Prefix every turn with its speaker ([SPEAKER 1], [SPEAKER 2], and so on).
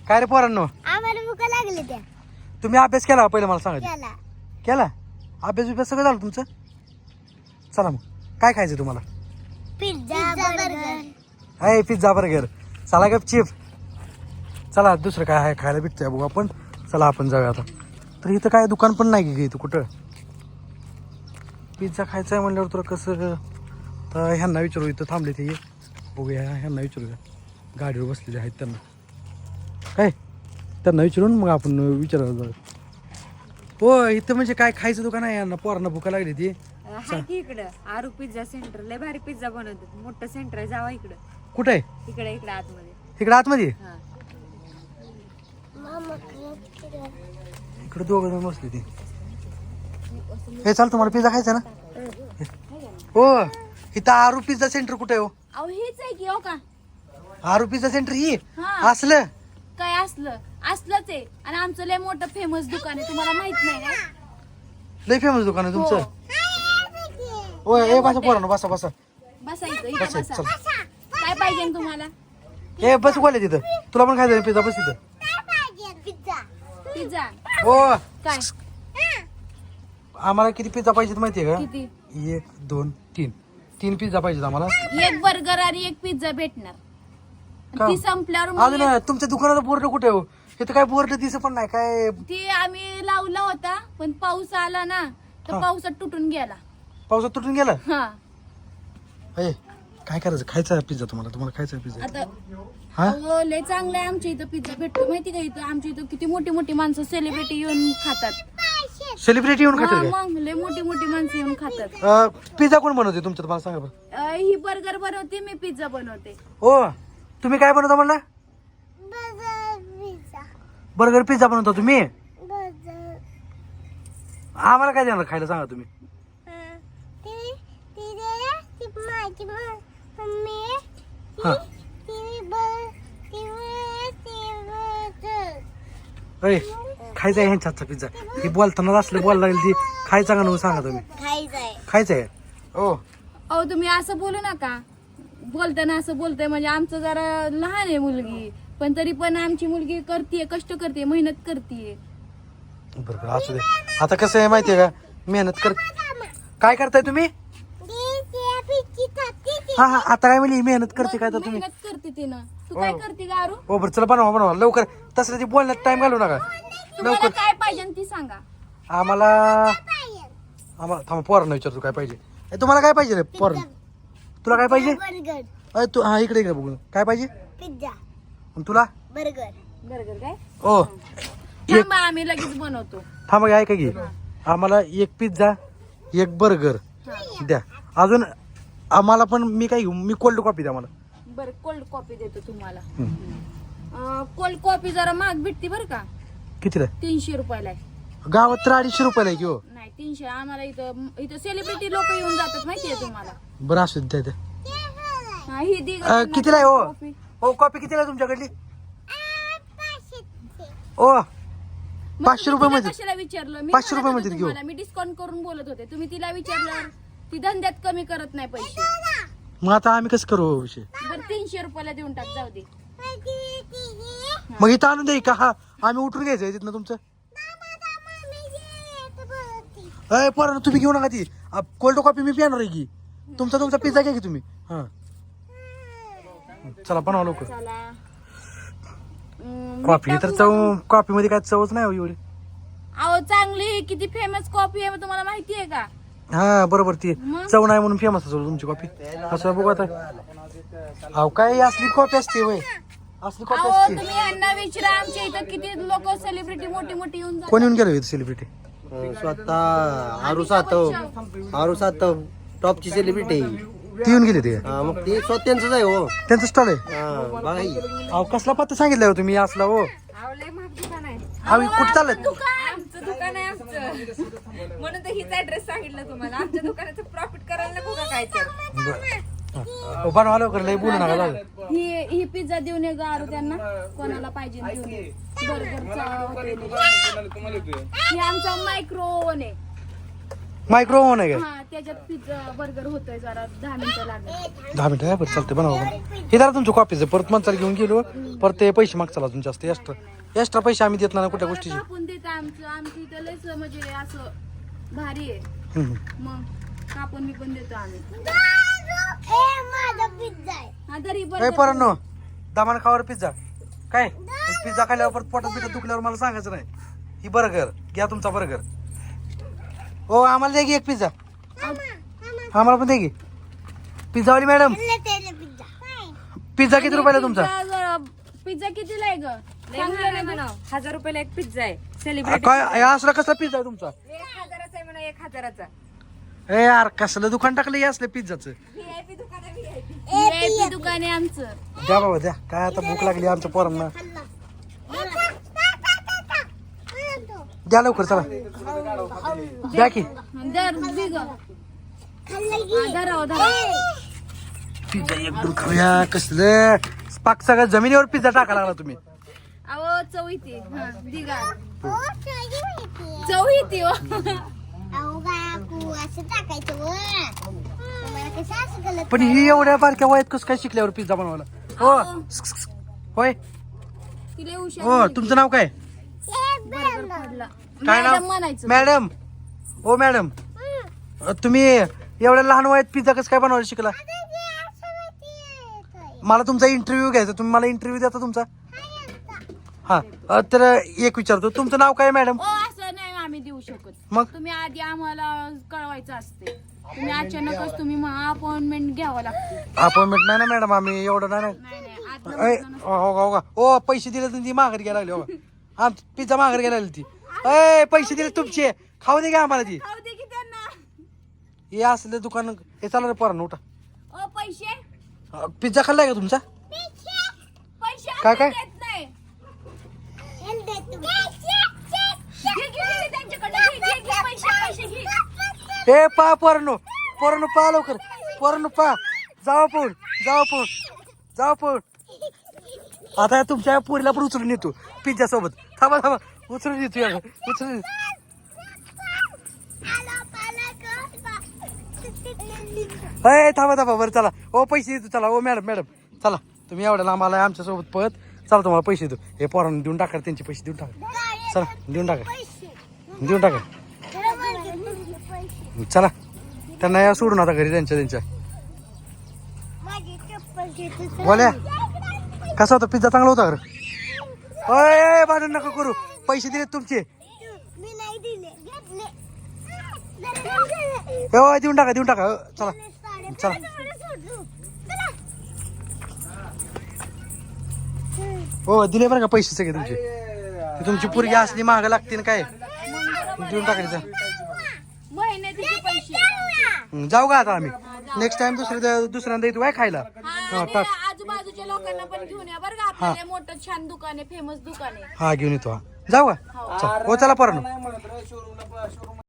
[SPEAKER 1] काय रे पोरांनो,
[SPEAKER 2] आम्हाला भूका लागली त्या.
[SPEAKER 1] तुम्ही अभ्यास केला पहिले मला सांगा.
[SPEAKER 2] केला.
[SPEAKER 1] केला अभ्यास सगळं झालं तुमचं. चला मग काय खायचं तुम्हाला?
[SPEAKER 2] Pizza burger.
[SPEAKER 1] आहे पिझ्झा बर्गर. चला गपचिप. चला दुसरं काय आहे खायला भेटतंय बघू आपण. चला आपण जाऊया आता. तर इथं काय दुकान पण नाही की इथं कुठं. पिझ्झा खायचा आहे म्हणल्यावर तुला कसं. तर ह्यांना विचारू इथं थांबले ते बघूया. ह्यांना विचारूया गाडीवर बसलेले आहेत त्यांना. काय त्यांना विचारून मग आपण विचारायला जाऊ. हो इथं म्हणजे काय खायचं दुकान आहे यांना पोरांना भूका लागली ती.
[SPEAKER 3] हाय की इकडं आरू पिझ्झा सेंटर लय भारी पिझ्झा बनवतात. मोठं सेंटर आहे, जावा इकडं.
[SPEAKER 1] कुठं आहे?
[SPEAKER 3] इकडे आतमध्ये.
[SPEAKER 1] इकडं आतमध्ये.
[SPEAKER 3] हा
[SPEAKER 1] इकडे दोघं जण बसले ती. हे चाल तुम्हाला पिझ्झा खायचा ना. हो इथं आरू पिझ्झा सेंटर कुठे आहे हो?
[SPEAKER 3] अहो हेच आहे की हो का.
[SPEAKER 1] आरू पिझ्झा सेंटर ही
[SPEAKER 3] हा.
[SPEAKER 1] असलं
[SPEAKER 3] काय असलंच आहे. आणि आमचं लय मोठं फेमस दुकान आहे, तुम्हाला माहित नाही काय?
[SPEAKER 1] लय फेमस दुकान आहे तुमचं.
[SPEAKER 3] हो.
[SPEAKER 1] हो ए बसा पोरांनो बसा बसा.
[SPEAKER 3] बसा इथं
[SPEAKER 1] बसा
[SPEAKER 3] बसा.
[SPEAKER 1] चल.
[SPEAKER 3] काय पाहिजे तुम्हाला?
[SPEAKER 1] ए बस बोला तिथं. तुला पण खायचं पिझ्झा बस तिथं.
[SPEAKER 3] पिझ्झा
[SPEAKER 1] हो
[SPEAKER 3] काय
[SPEAKER 1] आम्हाला किती पिझ्झा पाहिजेत माहितीये का?
[SPEAKER 3] किती?
[SPEAKER 1] 1 2 3 3 पिझ्झा पाहिजेत आम्हाला.
[SPEAKER 3] एक बर्गर आणि एक पिझ्झा भेटणार.
[SPEAKER 1] का?
[SPEAKER 3] ती संपल्यावर
[SPEAKER 1] अजून
[SPEAKER 3] मग
[SPEAKER 1] तुमच्या दुकानाचा बोर्ड कुठे हो? इथं काय बोर्ड दिसत पण नाही काय.
[SPEAKER 3] ती आम्ही लावला होता पण पाऊस आला ना तर
[SPEAKER 1] हा.
[SPEAKER 3] पावसात तुटून गेला.
[SPEAKER 1] पावसात तुटून गेला.
[SPEAKER 3] हा
[SPEAKER 1] ए काय करायचं? खायचा पिझ्झा तुम्हाला खायचा पिझ्झा.
[SPEAKER 3] आता
[SPEAKER 1] हा
[SPEAKER 3] अहो, लय चांगलं आहे आमच्या इथं पिझ्झा भेटतो माहिती का. इथं आमच्या इथं किती मोठी मोठी माणसं सेलिब्रिटी येऊन खातात.
[SPEAKER 1] सेलिब्रिटी येऊन
[SPEAKER 3] हा,
[SPEAKER 1] खाते
[SPEAKER 3] मग लय मोठी मोठी माणसं येऊन खातात.
[SPEAKER 1] काय? पिझ्झा कोण बनवते तुमचं तुम्हाला सांगा बरं.
[SPEAKER 3] ही बर्गर बनवते, मी पिझ्झा बनवते.
[SPEAKER 1] हो तुम्ही काय बनवता म्हणला? बर्गर पिझ्झा बनवता तुम्ही. आम्हाला काय देणार खायला सांगा तुम्ही. हा अरे खायचा आहे ह्यांच्या हातचा पिझ्झा. ही बोलताना असलं बोलायला लागली ती खायचा का म्हणून सांगा तुम्ही. खायचं आहे. हो
[SPEAKER 3] अहो तुम्ही असं बोलू नका. बोलताना असं बोलतंय म्हणजे आमचं जरा लहान आहे मुलगी, पण तरी पण आमची मुलगी करते, कष्ट करते, मेहनत करते.
[SPEAKER 1] बरोबर असू दे. आता कसं आहे माहितीये का, मेहनत कर. काय करताय तुम्ही? हा हा आता काय म्हणली मेहनत करते काय तर तुम्ही.
[SPEAKER 3] मेहनत करते तिनं. तू काय करते गारू?
[SPEAKER 1] हो बरं चला बनवा लवकर. तसं ती बोलण्यात टाइम घालू नका.
[SPEAKER 3] तुम्हाला काय पाहिजे ती सांगा.
[SPEAKER 1] आम्हाला थांबा पोरांना विचारतो काय पाहिजे. तुम्हाला काय पाहिजे रे पोरांना? तुला काय पाहिजे?
[SPEAKER 2] बर्गर
[SPEAKER 1] तू हा इकडे बघू काय पाहिजे.
[SPEAKER 2] पिझ्झा
[SPEAKER 1] आणि तुला?
[SPEAKER 2] बर्गर.
[SPEAKER 3] बर्गर काय?
[SPEAKER 1] हो
[SPEAKER 3] थांबा आम्ही लगेच बनवतो.
[SPEAKER 1] थांबा ऐका की. आम्हाला 1 पिझ्झा 1 बर्गर द्या. अजून आम्हाला पण मी काय घेऊ? मी कोल्ड कॉफी द्या मला.
[SPEAKER 3] बरं कोल्ड कॉफी देतो तुम्हाला. कोल्ड कॉफी जरा महाग भेटते बरं का.
[SPEAKER 1] कितीला?
[SPEAKER 3] 300 रुपयाला आहे.
[SPEAKER 1] गावात तर 250 रुपयाला आहे की हो.
[SPEAKER 3] नाही 300. आम्हाला इथं सेलिब्रिटी लोक येऊन जातात माहितीये तुम्हाला.
[SPEAKER 1] बरं असू द्या द्या.
[SPEAKER 3] हा, ही दी
[SPEAKER 1] कितीला आहे हो?
[SPEAKER 3] कॉफी.
[SPEAKER 1] हो कॉफी कितीला आहे तुमच्याकडली? ओ 500 रुपये मध्ये.
[SPEAKER 3] कशाला विचारलं मी?
[SPEAKER 1] 500 रुपये
[SPEAKER 3] म्हणत
[SPEAKER 1] मध्ये
[SPEAKER 3] होते
[SPEAKER 1] घेऊ.
[SPEAKER 3] तुम्हाला, मी डिस्काउंट करून बोलत होते. तुम्ही तिला विचारलं ती धंद्यात कमी करत नाही पैसे.
[SPEAKER 1] मग आता आम्ही कसं करू विषय?
[SPEAKER 3] बरं 300 रुपयाला देऊन टाक, जाऊ दे.
[SPEAKER 1] मग इथं आणून द्या का? हा आम्ही उठून घ्यायचंय तिथनं तुमचं. अय पोरांनो तुम्ही घेऊ नका ती कोल्ड कॉफी. मी पिणार आहे की. तुमचा पिझ्झा घ्या की तुम्ही. हा चला बनवा लवकर.
[SPEAKER 3] चला.
[SPEAKER 1] कॉफी तर कॉफी मध्ये काय चवच नाही हो एवढी.
[SPEAKER 3] अहो चांगली किती फेमस कॉफी आहे तुम्हाला माहितीये का?
[SPEAKER 1] हा बरोबर ती
[SPEAKER 3] मग?
[SPEAKER 1] चव नाही म्हणून फेमस असेल तुमची कॉफी. असं बघू आता. अहो काय असली कॉफी असते वय. असली कॉफी
[SPEAKER 3] अहो
[SPEAKER 1] असते.
[SPEAKER 3] तुम्ही यांना विचारा आमच्या इथं किती लोक सेलिब्रिटी मोठी येऊन जातात.
[SPEAKER 1] कोण येऊन गेलो इथं सेलिब्रिटी?
[SPEAKER 4] स्वतः आरू सातव टॉपची सेलिब्रिटी.
[SPEAKER 1] ती येऊन गेली ते.
[SPEAKER 4] मग ते स्वतः त्यांचंच आहे हो.
[SPEAKER 1] त्यांचं स्टॉल आहे.
[SPEAKER 4] बघा ही.
[SPEAKER 1] अहो कसला पत्ता सांगितलं हो तुम्ही असला हो. अहो कुठं चालत?
[SPEAKER 5] आमचं दुकान आहे आमचं, म्हणून तर हीच ऍड्रेस सांगितलं तुम्हाला. आमच्या दुकानाचं प्रॉफिट करायला नको का काय तर.
[SPEAKER 1] बनवा लवकर लय बोलू नका लागलं.
[SPEAKER 3] ही पिझ्झा देऊन ये गारू त्यांना कोणाला पाहिजे देऊन ये. बर्गरचा हॉटेल आहे. हे आमचा मायक्रो ओव्हन आहे.
[SPEAKER 1] मायक्रो ओव्हन आहे काय
[SPEAKER 3] हा त्याच्यात पिझ्झा बर्गर होतोय जरा 10 मिनिटं लागेल.
[SPEAKER 1] 10 मिनिटं आहे बरं चालते बनवा हे जरा तुमच्या कॉपीचं परत माणसाला घेऊन गेलो परत ते पैसे मागचाल अजून जास्त एक्स्ट्रा पैसे आम्ही देत नाही कुठल्या गोष्टीचे
[SPEAKER 3] कापून देत आमचं इथं लयच म्हणजे असं भारी आहे.
[SPEAKER 1] हम्म.
[SPEAKER 3] मग कापून पण देतो आम्ही.
[SPEAKER 2] माझा पिझ्झा आहे.
[SPEAKER 3] हा तरी
[SPEAKER 1] ए
[SPEAKER 3] पण
[SPEAKER 1] पोरांनो दामान खावर पिझ्झा काय पिझ्झा खाल्ल्यावर परत पोटात बिटात दुखल्यावर मला सांगायचं नाही ही बर्गर घ्या तुमचा बर्गर हो आम्हाला द्या की एक पिझ्झा आम्हाला पण द्या की पिझ्झावाली मॅडम पिझ्झा किती रुपयाला तुमचा
[SPEAKER 3] पिझ्झा कितीला आहे ग?
[SPEAKER 5] लय महाग आहे म्हणा. 1000 रुपयाला एक पिझ्झा आहे सेलिब्रिटी.
[SPEAKER 1] काय असला कसला पिझ्झा आहे तुमचा
[SPEAKER 5] 1000चा आहे म्हणा 1000चा.
[SPEAKER 1] ए यार कसलं दुकान टाकलं हे असलं पिझ्झाचं
[SPEAKER 5] व्हीआयपी दुकान आहे व्हीआयपी.
[SPEAKER 3] VIP दुकान आहे आमचं.
[SPEAKER 1] द्या बाबा द्या काय आता भूक लागली आमच्या पोरांना द्या लवकर चला द्या की
[SPEAKER 3] दर बिग धराव
[SPEAKER 1] पिझ्झा एकदम खाऊया कसलं पाक सगळ्या जमिनीवर पिझ्झा टाकायला लागला तुम्ही
[SPEAKER 3] अहो चव येते. हा दिगा चव येते हो.
[SPEAKER 2] अहो काकू असं टाकायचं वर तुम्हाला कसं असं केलं
[SPEAKER 1] पण ही एवढ्या बारक्या वयात कसं काय शिकल्यावर पिझ्झा बनवायला हो होय
[SPEAKER 3] तिला हुशार
[SPEAKER 1] हो तुमचं नाव काय
[SPEAKER 3] बर्गर पडला.
[SPEAKER 1] काय
[SPEAKER 3] मॅडम
[SPEAKER 1] नाव
[SPEAKER 3] म्हणायचं.
[SPEAKER 1] मॅडम हो मॅडम तुम्ही एवढ्या लहान वयात पिझ्झा कसं काय बनवायला शिकला मला तुमचा इंटरव्ह्यू घ्यायचा तुम्ही मला इंटरव्ह्यू देता तुमचा हा तर एक विचारतो तुमचं नाव काय मॅडम
[SPEAKER 3] ओ असं नाही आम्ही देऊ शकत.
[SPEAKER 1] मग
[SPEAKER 3] तुम्ही आधी आम्हाला कळवायचं असते. तुम्ही अचानकच तुम्ही अपॉइंटमेंट घ्यावं लागते.
[SPEAKER 1] अपॉइंटमेंट नाही ना मॅडम आम्ही एवढं नाही
[SPEAKER 3] नाही नाही आज
[SPEAKER 1] ए, हो पैसे दिले तर ती माघार घ्यायला लागली हो आम पिझ्झा माघार घ्यायला लागली ती ए पैसे दिले तुमचे खाऊ दे का आम्हाला ती
[SPEAKER 3] खाऊ दे की त्यांना.
[SPEAKER 1] हे असलं दुकान हे चालू रे पोरांनो उठा
[SPEAKER 3] ओ पैसे
[SPEAKER 1] पिझ्झा खाल्लाय का तुमचा
[SPEAKER 3] पैसे
[SPEAKER 1] काय काय?
[SPEAKER 3] देत नाही. घे, घे, त्यांच्याकडनं घे, घे, घे, पैसे घे.
[SPEAKER 1] ए पा पोरांनो पा लवकर पोरांनो पा जावा पळून आता तुमच्या पोरीला पण उचलून येतो पिझ्झा सोबत थांबा उचलून येतो या उचलून ए थांबा बरं चला ओ पैसे देतो चला ओ मॅडम चला तुम्ही एवढ्या लांब आलाय आमच्या सोबत पळत चला तुम्हाला पैसे देतो हे पोरांना देऊन टाका त्यांचे पैसे देऊन टाका चला देऊन टाका चला त्यांना या सोडून आता घरी त्यांच्या
[SPEAKER 2] माझी चप्पल घेतो
[SPEAKER 1] बोल्या कसा होता पिझ्झा चांगला होता अरे भांडण नका करू पैसे दिले तुमचे
[SPEAKER 2] मी नाही दिले घेतले
[SPEAKER 1] हो देऊन टाका चला चला हो दिले बरं का पैसे सगळे तुमचे ते तुमची पोरगी असली महाग लागते ना काय देऊन टाकायचं
[SPEAKER 3] महिन्याचे पैसे
[SPEAKER 1] जाऊ का आता आम्ही नेक्स्ट टाइम दुसऱ्यांदा येतो काय खायला
[SPEAKER 3] हा, आणि आजूबाजूच्या लोकांना पण घेऊन या बरं का आपल्याला मोठं छान दुकान आहे फेमस दुकान आहे.
[SPEAKER 1] हा घेऊन येतो हा जाऊ का चला हो चला पोरांनो